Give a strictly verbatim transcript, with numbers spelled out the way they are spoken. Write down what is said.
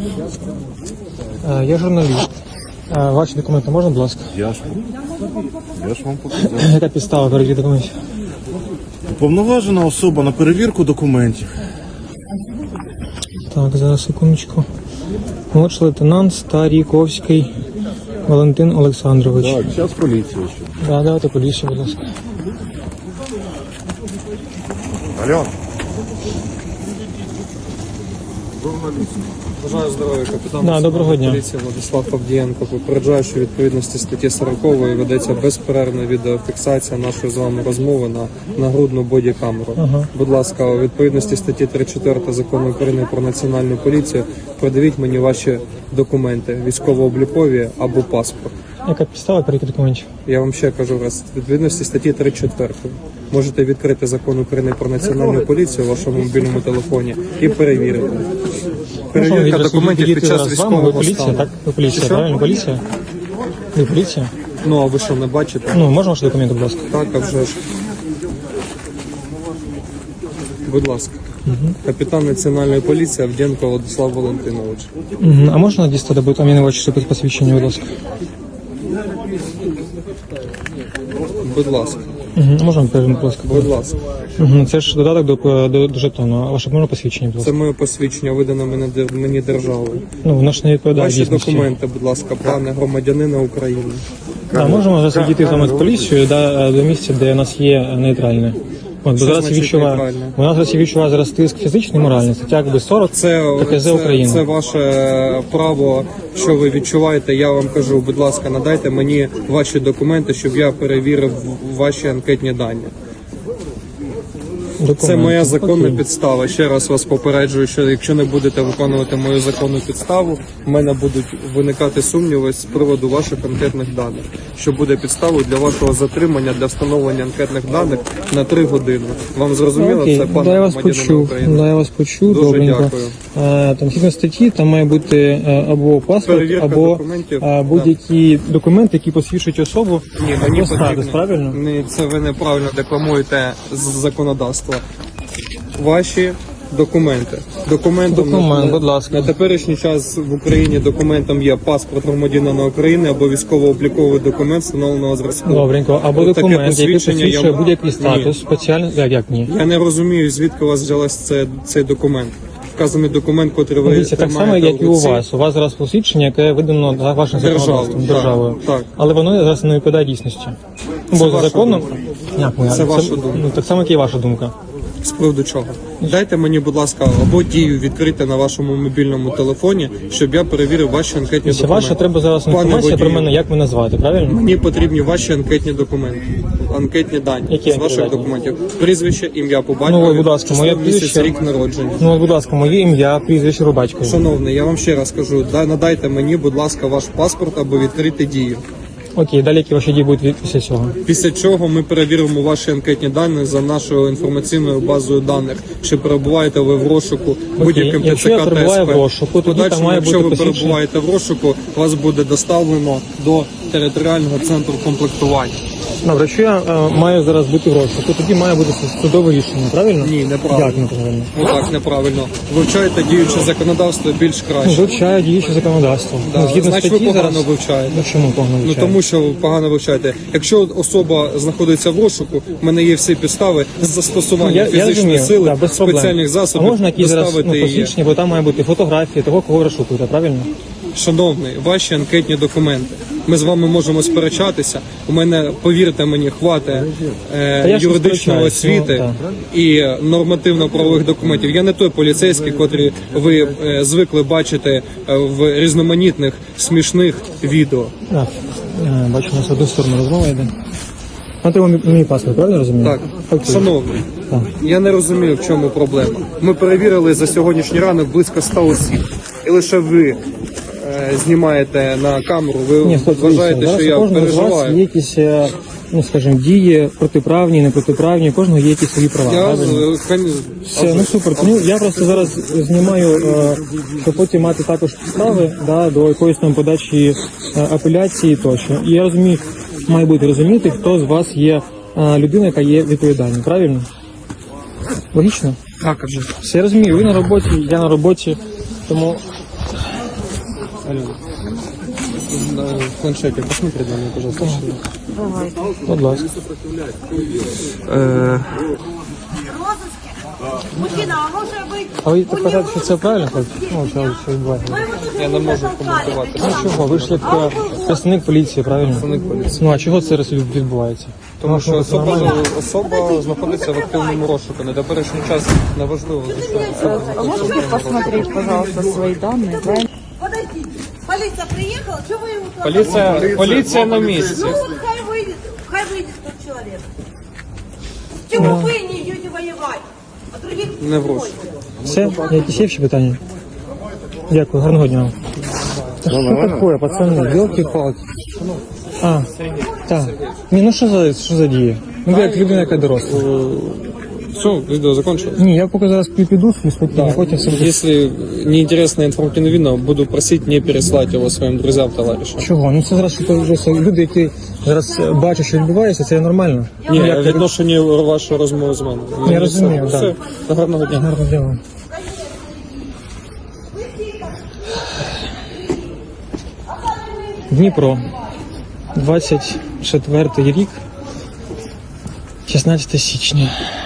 Е, Я журналіст. Е, Ваші документи можна, будь ласка? Я ж, я ж вам показав. Яка підстава перевірки документів? Уповноважена особа на перевірку документів. Так, зараз секундочку. Молодший лейтенант Старіковський Валентин Олександрович. Так, зараз поліція ще. Да, давайте поліцію, будь ласка. Алло. Бажаю здоров'я, капітан. Да, доброго дня. Поліції Владислав Павдієнко. Попереджаю, що у відповідності статті сорокової ведеться безперервна відеофіксація нашої з вами розмови на нагрудну бодікамеру. Ага. Будь ласка, у відповідності статті тридцять чотири Закону України про національну поліцію придивіть мені ваші документи, військово-облікові або паспорт. Яка підстава перевірки документів? Я вам ще кажу раз, у відповідності статті тридцять чотири можете відкрити Закон України про національну поліцію у вашому мобільному телефоні і перевірити. Перевірка документів під час Ви військового поліція, стану. так? Ви поліція, Що? правильно? Поліція? Ви поліція? Ну, а ви що, не бачите? Ну, можна ваші документи, будь ласка? Так, а вже ж. Будь ласка. Капітан Національної поліції Авдєнко Владислав Валентинович. Угу. А можна дістати, бо там я не бачу, що під посвідчення, будь ласка? Будь ласка. Угу. Можна перейти, будь ласка? Будь ласка. Угу. Це ж додаток до, до, до жетону. А ваше можна посвідчення, будь Це ласка? моє посвідчення, видане мені, дер- мені державою. Ну, воно ж не відповідає Ваші дійсності. документи, будь ласка, пане громадянина України. Да, можемо зараз відійти з вами з поліцією да, до місця, де у нас є нейтральне. От, бо Що зараз я значить відчуваю, нейтральне? вона зараз я відчуваю зараз тиск фізичний, моральний, стаття якби сорок Це, ККЗ це, України. це ваше право, що ви відчуваєте. Я вам кажу, будь ласка, надайте мені ваші документи, щоб я перевірив ваші анкетні дані. Документи. Це моя законна Окей. підстава. Ще раз вас попереджую, що якщо не будете виконувати мою законну підставу, в мене будуть виникати сумніви з приводу ваших анкетних даних, що буде підставою для вашого затримання для встановлення анкетних даних на три години. Вам зрозуміло? Окей, Це пане да, я вас громадянин почув, України. да, я вас почув, Дуже добренько. дякую. Е, Там згідно статті, там має бути е, або паспорт, Перевірка або документів, е, будь-які документи, які посвідчують особу. Ні, мені або статус, потрібно. правильно? Ні, це ви неправильно декламуєте з законодавства. Ваші документи. Документом Документ, на, будь ласка. на теперішній час в Україні документом є паспорт громадянина України або військово-обліковий документ встановленого зразку. Добренько, або Таке документ, який посвідчення я посвідчує м- будь-який Ні. статус, спеціальний, як, як ні? Я не розумію, звідки у вас взялась це, цей документ. Вказаний документ, котрий ви Дивіться, так само, тримаєте як і в у руці. вас. У вас зараз посвідчення, яке видано за вашим Державою, законодавством, так, державою. так. Але воно зараз не відповідає дійсності. Бо за ваша законом... думка. Як моя? Це ваша думка. Ну, так само, як і ваша думка. З приводу чого? Дайте мені, будь ласка, або дію відкрити на вашому мобільному телефоні, щоб я перевірив ваші анкетні Якщо документи. ваша, треба зараз Пане інформація про водію, мене, як мене звати, правильно? Мені потрібні ваші анкетні документи, анкетні дані Які з ваших анкетні? документів. Прізвище, ім'я по Ну, батькові, будь ласка, число, моє місяць, прізвище. рік народження. Ну, от, будь ласка, моє ім'я, прізвище по батькові. Шановний, я вам ще раз кажу, да- надайте мені, будь ласка, ваш паспорт або відкрити дію. Окей, далі які ваші дії будуть від- після цього? Після чого ми перевіримо ваші анкетні дані за нашою інформаційною базою даних, чи перебуваєте ви в розшуку будь-яким ТЦК якщо я та перебуваю СП. в розшуку, тоді Подальшому, там має якщо бути ви посвідчення. перебуваєте в розшуку, вас буде доставлено до територіального центру комплектування. Добре, якщо я е, маю зараз бути в розшуку, тоді має бути судове рішення, правильно? Ні, неправильно. Як неправильно? Ну так, неправильно. Вивчаєте діюче законодавство більш Ну, краще. вивчаю діюче законодавство. Да, Ну, згідно значить, ви статті погано зараз... вивчаєте. Ну, чому погано Ну вивчаю? тому що ви погано вивчаєте. Якщо особа знаходиться в розшуку, в мене є всі підстави з застосування Ну, я, я фізичної розумію, сили, да, без проблем. спеціальних засобів А можна якісь зараз доставити ну, її. посвідчення, бо там має бути фотографії того, кого ви розшукуєте, правильно? Шановний, ваші анкетні документи. Ми з вами можемо сперечатися. У мене, повірте мені, хватить Та е, я ж не юридичної сперечаюсь, освіти ну, і нормативно-правових документів. Я не той поліцейський, котрий ви е, звикли бачити е, в різноманітних смішних відео. Так, е, бачу, у нас в одну сторону розмова йде. Вам треба мій, мій паспорт, правильно розумію? Так, Окей. шановний, Так. я не розумію, в чому проблема. Ми перевірили за сьогоднішній ранок близько ста осіб. І лише ви е, знімаєте на камеру, ви Ні, хлопці, вважаєте, дивіться, що зараз я у кожного з вас переживаю. є якісь, е, ну, скажімо, дії протиправні, непротиправні, у кожного є якісь свої права, Я, правильно? е, кон- Все, ну супер. Ну, я просто зараз знімаю, е, щоб потім мати також підстави да, до якоїсь там подачі е, апеляції тощо. І я розумію, має бути розуміти, хто з вас є е, людина, яка є відповідальною, правильно? Логічно? Так, а вже. Все, я розумію, ви на роботі, я на роботі, тому Алена, на планшете посмотри на меня, пожалуйста. Будь ласка. Э, Мужчина, а може бути... А ви так вважаєте, що це правильно? хлопці? Ну, що, що відбувається? Я не можу коментувати. Ну чого, ви ж як е, представник поліції, правильно? Представник поліції. Ну а чого це зараз відбувається? Тому що Ну, особа, нормально. особа знаходиться в активному розшуку. На теперішній час неважливо, за що особа А можете посмотреть, пожалуйста, свои данные? Правильно? Подождите, полиция приехала, что вы ему... Поліція, поліція на місці. Ну вот хай выйдет, хай выйдет тот человек. Чего вы не идете воевать? А других Не в розшуку. Все? Якісь є ще питання? Дякую, гарного дня. Та що таке, пацани, білки-палки. А, так. Ні, ну що за, що за дія? Ну ви як людина, яка доросла. Все, відео закончилось. Ні, я поки зараз піду собі спокійно, потім все буде. Если неинтересное информативное видео, буду просить не переслать его своим друзьям, товарищам. Чого? Ну це зараз що то вже люди, які зараз е, бачать, що відбувається, це нормально. Ні, Ну, як ви- відношення вашої розмови з мене. Я розумію, все. так. Все, гарного дня. Гарно дякую. Дніпро, двадцять четвертий рік, шістнадцяте січня.